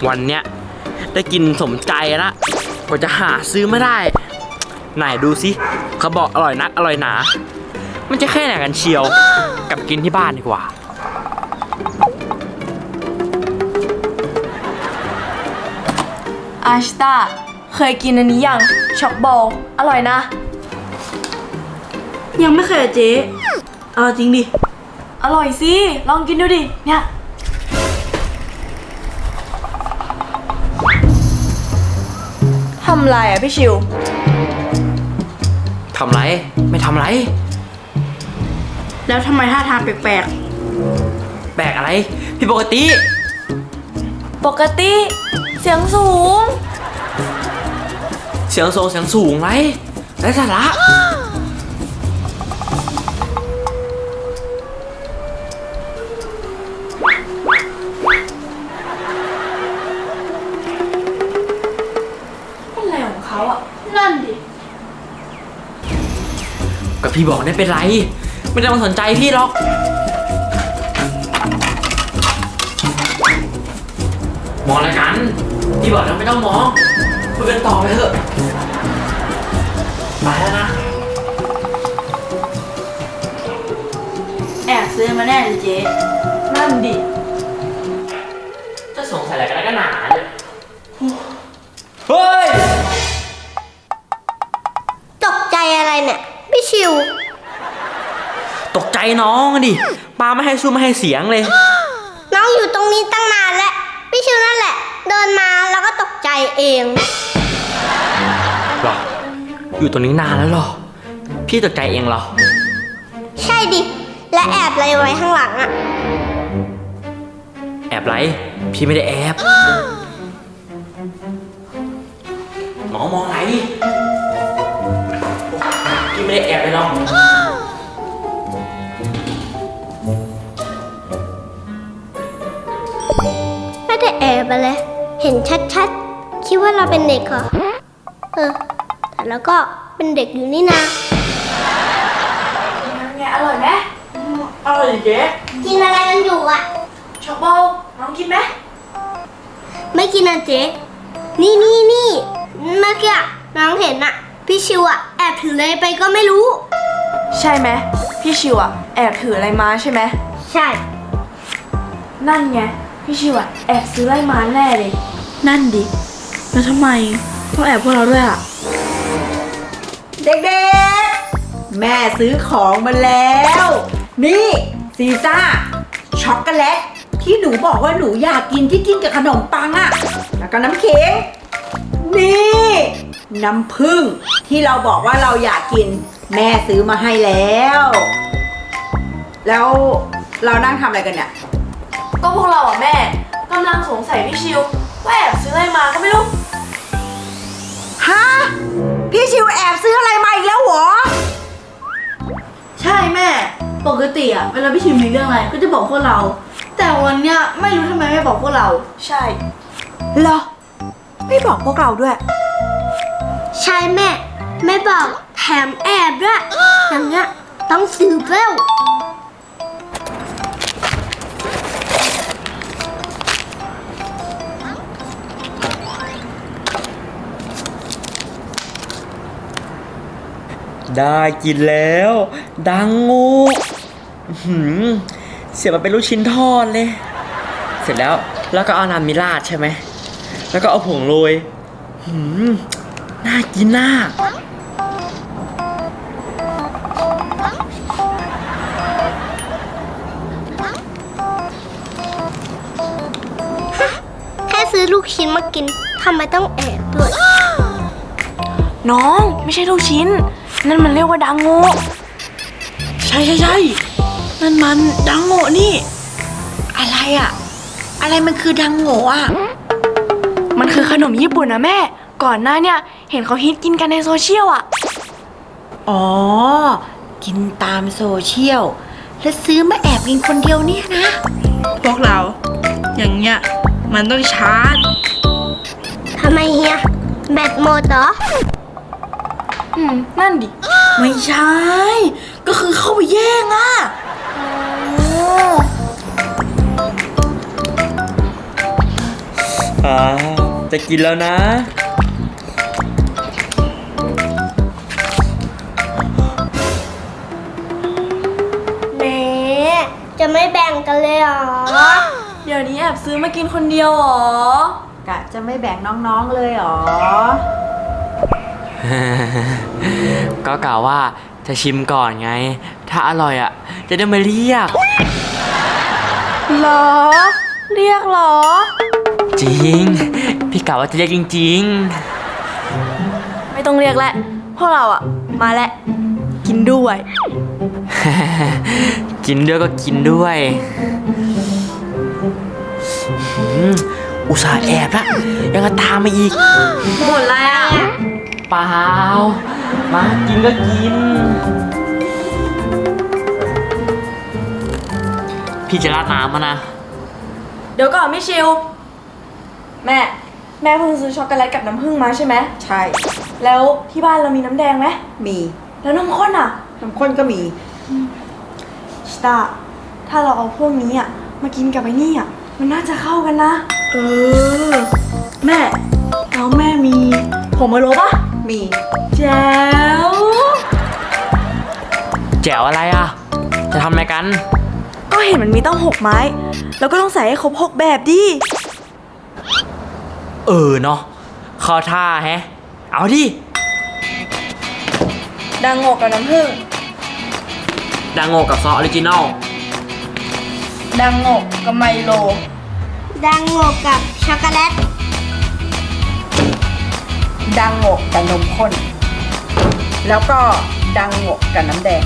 วันเนี้ยได้กินสมใจละกว่าจะหาซื้อไม่ได้ไหนดูสิเขาบอกอร่อยนักอร่อยหนามันจะแค่ไหนกันเชียวกับกินที่บ้านดีกว่าอาชิตาเคยกินอันนี้ยังช็อกบอลอร่อยนะยังไม่เคยเจ๊เอาจริงดิอร่อยสิลองกินดูดิเนี่ยทำไรอ่ะพี่ชิวทำไรไม่ทำไรแล้วทำไมท่าทางแปลกแปลกอะไรพี่ปกติเสียงสูงเสียงสูงไรไร้สาระอะไรของเขาอ่ะนั่นดิก็พี่บอกได้เป็นไรไม่ต้องมาสนใจพี่หรอกมองอะไรกันพี่บอกแล้วไม่ต้องมองคุยกันต่อไปเถอะไปแล้วนะแอบซื้อมาแน่เลยเจ๊นั่นดิจะสงสัยอะไรกันแล้วกันหนาเนี่ยเฮ้ยตกใจอะไรเนี่ยพี่ชิวตกใจน้องดิปาไม่ให้สู้ไม่ให้เสียงเลยน้องอยู่ตรงนี้ตั้งนานแล้วพี่ชิวนั่นแหละเดินมาแล้วก็ตกใจเองหรออยู่ตรงนี้นานแล้วหรอพี่ตกใจเองเหรอใช่ดิและแอบอะไรไว้ข้างหลังอะแอบไรพี่ไม่ได้แอบมองอะไรพี่ไม่ได้แอบเลยหรอกไม่ได้แอบอะไรเห็นชัดๆคิดว่าเราเป็นเด็กเหรอแต่แล้วก็เป็นเด็กอยู่นี่นะไงอร่อยไหมอร่อยเจ๊กินอะไรกันอยู่อะช็อกบอลน้องกินไหมไม่กินนะเจ๊นี่เมื่อกี้น้องเห็นอะพี่ชิวอะแอบถืออะไรไปก็ไม่รู้ใช่ไหมพี่ชิวอ่ะแอบถืออะไรมาใช่ไหมใช่นั่นไงพี่ชิวอ่ะแอบซื้ออะไรมาแน่เลยนั่นดิแล้วทำไมต้องแอบพวกเราด้วยอะเด็กๆแม่ซื้อของมาแล้วนี่ซีซ่าช็อกโกแลตที่หนูบอกว่าหนูอยากกินที่กินกับขนมปังอะแล้วก็น้ำเค้กนี่น้ำผึ้งที่เราบอกว่าเราอยากกินแม่ซื้อมาให้แล้วแล้วเรานั่งทำอะไรกันเนี่ยก็พวกเราอ่ะแม่กำลังสงสัยพี่ชิวว่าแอบซื้ออะไรมาก็ไม่รู้ฮะพี่ชิวแอบซื้ออะไรมาอีกแล้วเหรอใช่แม่ปกติอะเวลาพี่ชิวมีเรื่องอะไรก็จะบอกพวกเราแต่วันเนี้ยไม่รู้ทำไมไม่บอกพวกเราใช่เหรอไม่บอกพวกเราด้วยใช่แม่ไม่บอกแถมแอบด้วยอย่างเงี้ยต้องสืบแล้วได้กินแล้วดังงูเสียมาเป็นลูกชิ้นทอดเลยเสร็จแล้วก็เอาน้ำมิราดใช่ไหมแล้วก็เอาผงโรยน่ากินน่าแค่ซื้อลูกชิ้นมากินทำไมต้องแอบด้วยน้องไม่ใช่ลูกชิ้นนั่นมันเรียกว่าดังโง่ใช่นั่นมันดังโง่นี่อะไรอะอะไรมันคือดังโง่อะมันคือขนมญี่ปุ่นนะแม่ก่อนหน้าเนี่ยเห็นเขาฮิตกินกันในโซเชียลอะอ๋อกินตามโซเชียลแล้วซื้อมาแอบกินคนเดียวเนี่ยนะพวกเราอย่างเงี้ยมันต้องชาร์จทำไมเฮียแบตหมดเหรอนั่นดิไม่ใช่ก็คือเข้าไปแย่งอะจะกินแล้วนะแหมจะไม่แบ่งกันเลยเหรอเดี๋ยวนี้แอบซื้อมากินคนเดียวเหรอกะจะไม่แบ่งน้องๆเลยเหรอก็กล่าวว่าจะชิมก่อนไง ถ้าอร่อยอ่ะ จะได้มาเรียกเหรอ เรียกเหรอจริง พี่กล่าวว่าจะเรียกจริงไม่ต้องเรียกแล้วพวกเราอะมาแล้ว กินด้วยๆ กินด้วยก็กินด้วยอุตส่าห์แอบละยังจะตามมาอีกหมดแล้วเปล่า มากินก็กิน พี่จะราดน้ำมานะเดี๋ยวก่อนไม่ชิว แม่เพิ่งซื้อช็อกโกแลตกับน้ำผึ้งมาใช่ไหมใช่แล้วที่บ้านเรามีน้ำแดงไหมมีแล้วน้ำข้นอะน้ำข้นก็มีชิตาถ้าเราเอาพวกนี้อะมากินกับไอ้นี่อะมันน่าจะเข้ากันนะ แม่แล้วแม่มีผงมะโรปะมีแจ๋วแจ๋วอะไรอ่ะ จะทำอะไรกันก็เห็นมันมีต้อง6 ไม้ แล้วก็ต้องใส่ให้ครบ6แบบดิเนาะเข้าท่าแฮะ เอาดิดังโงกกับน้ำผึ้งดังโงกับซอสออริจินอลดังโงกกับไมโลดังโงกกับช็อกโกแลตดังโงกกับนมข้น แล้วก็ดังโงกกับน้ำแดง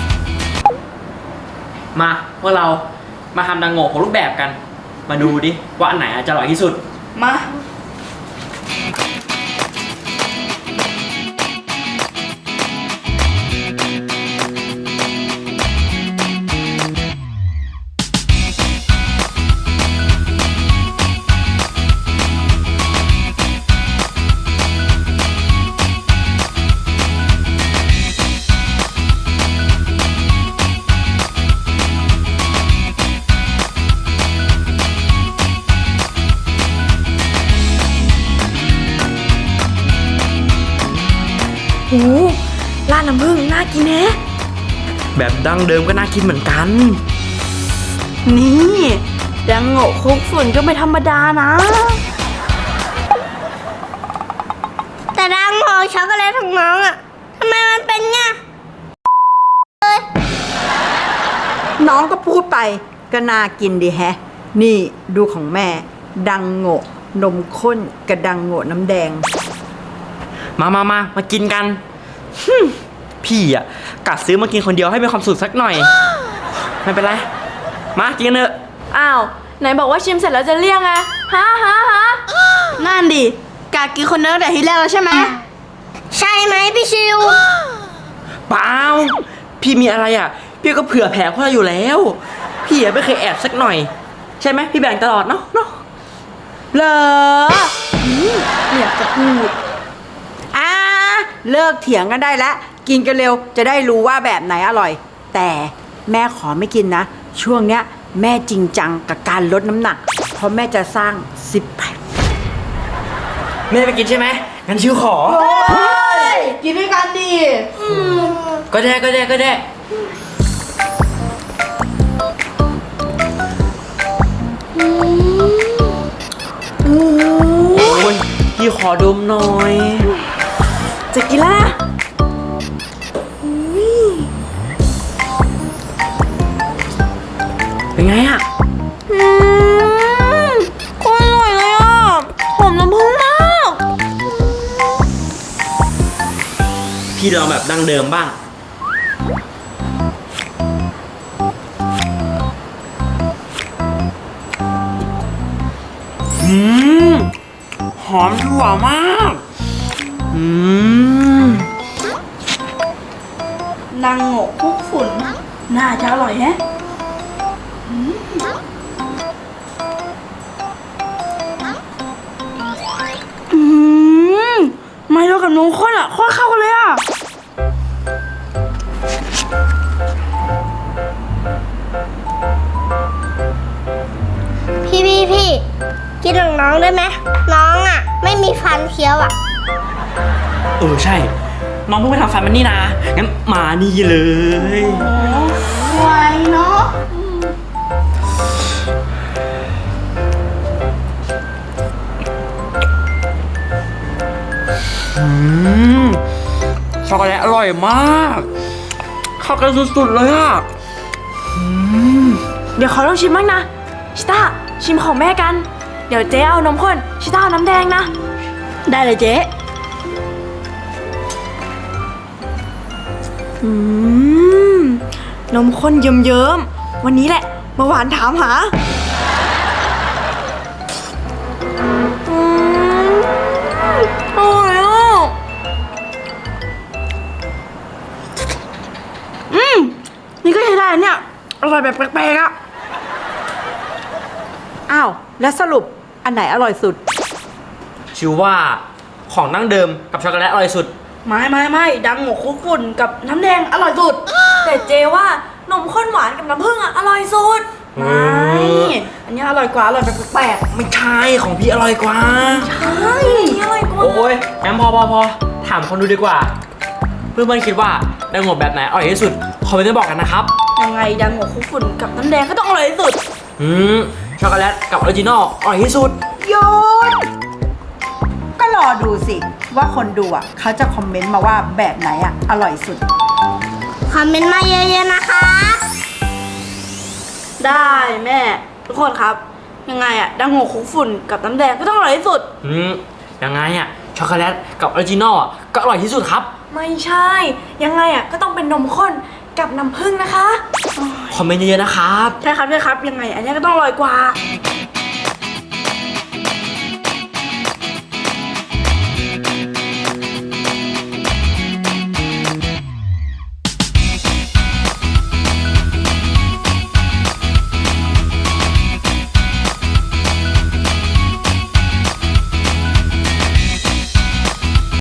มาพวกเรามาทำดังโงของรูปแบบกัน มาดูดิ ว่าอันไหนจะอร่อยที่สุดมา โอ้ร้านน้ำผึ้งน่ากินแฮะแบบดั้งเดิมก็น่ากินเหมือนกันนี่ดังโงกคลุกฝุ่นก็ไม่ธรรมดานะแต่ดังโงกช็อกโกแลตของน้องอะทำไมมันเป็นไงน้องก็พูดไปก็น่ากินดีแฮะ นี่ดูของแม่ ดังโงกนมข้นกับดังโงกน้ำแดงมากินกันพี่อ่ะกัดซื้อมากินคนเดียวให้มีความสุขสักหน่อย ไม่เป็นไร มากินกันเถอะอ้าว ไหนบอกว่าชิมเสร็จแล้วจะเรียกไงฮะนั่นดิกากินคนเดียวแต่ทีแรกแล้วใช่ไหมใช่ไหมพี่ชิวเปล่า พี่มีอะไรอ่ะ พี่ก็เผื่อแผ่พวกเราอยู่แล้ว พี่ไม่เคยแอบสักหน่อย ใช่ไหมพี่แบ่งตลอดเนาะเหรออยากจะพูดเลิกเถียงกันได้แล้ว กินกันเร็วจะได้รู้ว่าแบบไหนอร่อย แต่แม่ขอไม่กินนะ ช่วงเนี้ยแม่จริงจังกับการลดน้ำหนัก เพราะแม่จะสร้าง10 แพ็คไม่ได้ไปกินใช่ไหมงั้นชิวขอกินด้วยกันดิก็ได้โอ้ยพี่ขอดมหน่อยจะกินแล้วนะเป็นไงอ่ะโคตรอร่อยเลยอ่ะหอมน้ำผึ้งมากพี่ลองแบบดั้งเดิมบ้าง หอมถั่วมากดังโงกคลุกฝุ่น น่าจะอร่อยแฮะไมโลกับนมข้นอ่ะโคตรเข้ากันเลยอ่ะพี่กิกินของน้องได้ไหมน้องอ่ะ ไม่มีฟันเคี้ยวอ่ะใช่ น้องเพิ่งไปทำฟันมันนี่นะ งั้นมานี่เลยไวเนาะช็อกโกแลตอร่อยมากเข้ากันสุดๆเลยอ่ะเดี๋ยวขอลองชิมบ้างนะ ชิต้าชิมของแม่กัน เดี๋ยวเจ๊เอานมข้น ชิต้าเอาน้ำแดงนะได้เลยเจ๊นมข้นเยิ้มๆ วันนี้แหละเมื่อวานถามหา อร่อยอ่ะนี่ก็ใช้ได้เนี่ย อร่อยแบบแปลกๆอ่ะอ้าว แล้วสรุปอันไหนอร่อยสุดชิวว่าของดั้งเดิมกับช็อกโกแลตอร่อยสุดไม่ดังหมกคุกฝุ่นกับน้ำแดงอร่อยสุดแต่เจว่านมข้นหวานกับน้ำผึ้งอ่ะอร่อยสุดเอไม่ออันนี้อร่อยกว่า อร่อยแบบแปลกไม่ใช่ของพี่อร่อยกว่าใช่อร่อยกว่าโอ้ยงั้นพอถามคนดูดีกว่า เพื่อนๆคิดว่าดังโงบแบบไหนอร่อยที่สุดคอมเมนต์มาบอกกันนะครับๆยังไงดังหมกคุกฝุ่นกับน้ำแดงก็ต้องอร่อยที่สุดช็อกโกแลตกับออริจินอลอร่อยที่สุดโยนก็รอดูสิ ว่าคนดูอ่ะเขาจะคอมเมนต์มาว่าแบบไหนอ่ะ อร่อยสุดคอมเมนต์มาเยอะๆนะคะได้แม่ ทุกคนครับ ยังไงอะดังหมกคุกฝุ่นกับน้ำแดงก็ต้องอร่อยที่สุดยังไงอ่ะช็อกโกแลตกับออริจินอลก็อร่อยที่สุดครับไม่ใช่ ยังไงอ่ะก็ต้องเป็นนมข้นกับน้ำผึ้งนะคะคอมเมนต์เยอะๆนะครับใช่ครับ ยังไง อันนี้ก็ต้องอร่อยกว่า